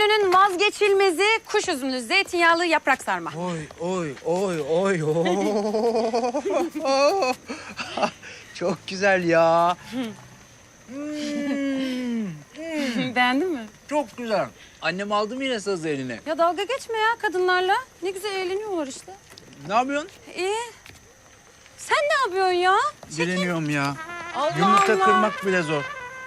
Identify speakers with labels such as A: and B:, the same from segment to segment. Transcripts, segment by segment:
A: menünün vazgeçilmezi kuş üzümlü zeytinyağlı yaprak sarma.
B: Oy. Çok güzel ya.
A: Beğendin mi?
B: Çok güzel. Annem aldı mı yine sazı eline?
A: Ya dalga geçme ya kadınlarla. Ne güzel eğleniyorlar işte.
B: Ne yapıyorsun?
A: İyi. Sen ne yapıyorsun ya?
B: Direniyorum ya.
A: Allah
B: Yumurta
A: Allah.
B: kırmak bile zor.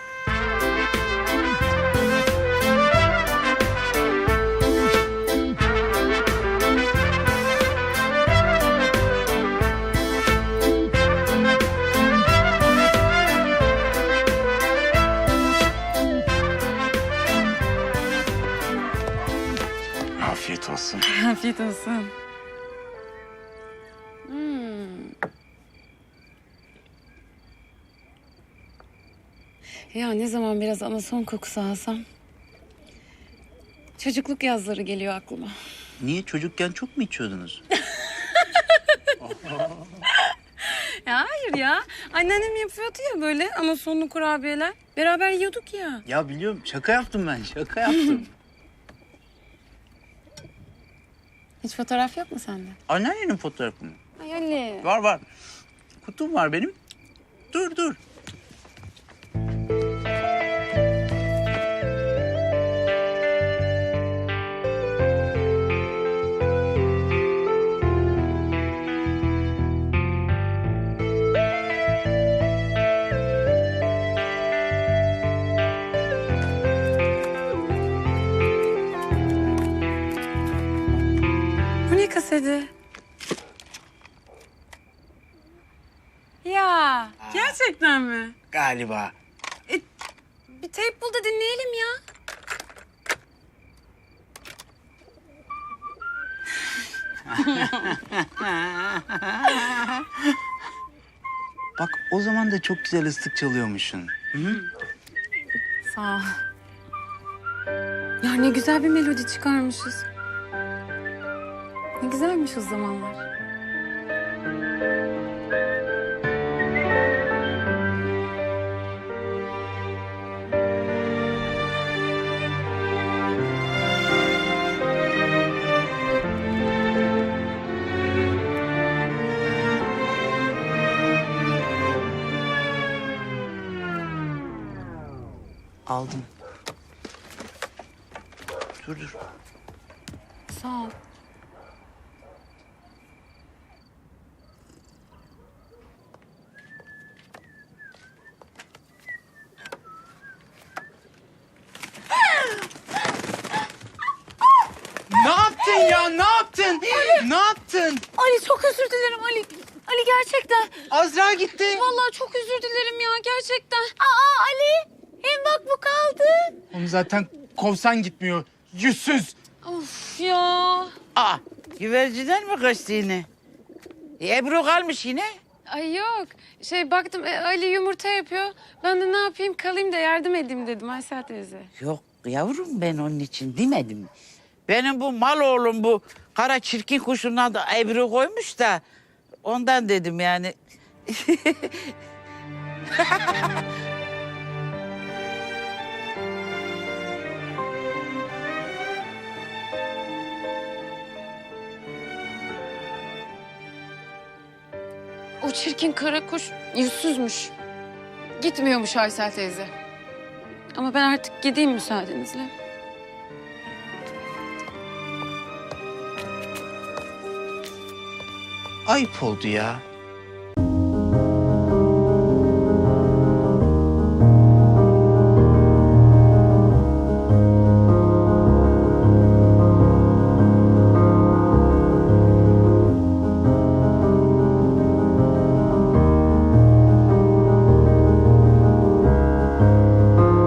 B: Afiyet olsun.
A: Afiyet olsun. Ya ne zaman biraz anason kokusu alsam... çocukluk yazları geliyor aklıma.
B: Niye? Çocukken çok mu içiyordunuz?
A: Ya hayır ya. Anneannem yapıyordu ya böyle anasonlu kurabiyeler. Beraber yiyorduk ya.
B: Ya biliyorum. Şaka yaptım ben. Şaka yaptım.
A: Hiç fotoğraf yok mu sende?
B: Anneannenin fotoğrafı mı?
A: Ay Ali.
B: Var. Kutum var benim. Dur.
A: Bu ne kaseti? Ya gerçekten mi?
B: Galiba.
A: Bir teyp bul da dinleyelim ya.
B: Bak o zaman da çok güzel ıslık çalıyormuşsun. Hı?
A: Sağ ol. Ya ne güzel bir melodi çıkarmışız. Ne güzelmiş o zamanlar.
B: Aldım. Dur.
A: Sağ ol.
B: Ne yaptın ya? Ne yaptın? Ne yaptın?
A: Ali çok özür dilerim Ali. Ali gerçekten.
B: Azra gitti.
A: Vallahi çok özür dilerim ya gerçekten. Aa Ali. Hem bak bu kaldı.
C: Onu zaten kovsan gitmiyor. Yüzsüz.
A: Of ya.
D: Aa, güvercinen mi kaçtı yine? Ebru kalmış yine.
A: Ay yok. Baktım Ali yumurta yapıyor. Ben de ne yapayım kalayım da yardım edeyim dedim Aysel teyze.
D: Yok yavrum ben onun için demedim. Benim bu mal oğlum bu kara çirkin kuşun adı Ebru koymuş da ondan dedim yani.
A: O çirkin kara kuş yüzsüzmüş. Gitmiyormuş Aysel teyze. Ama ben artık gideyim müsaadenizle.
B: Ayıp oldu ya.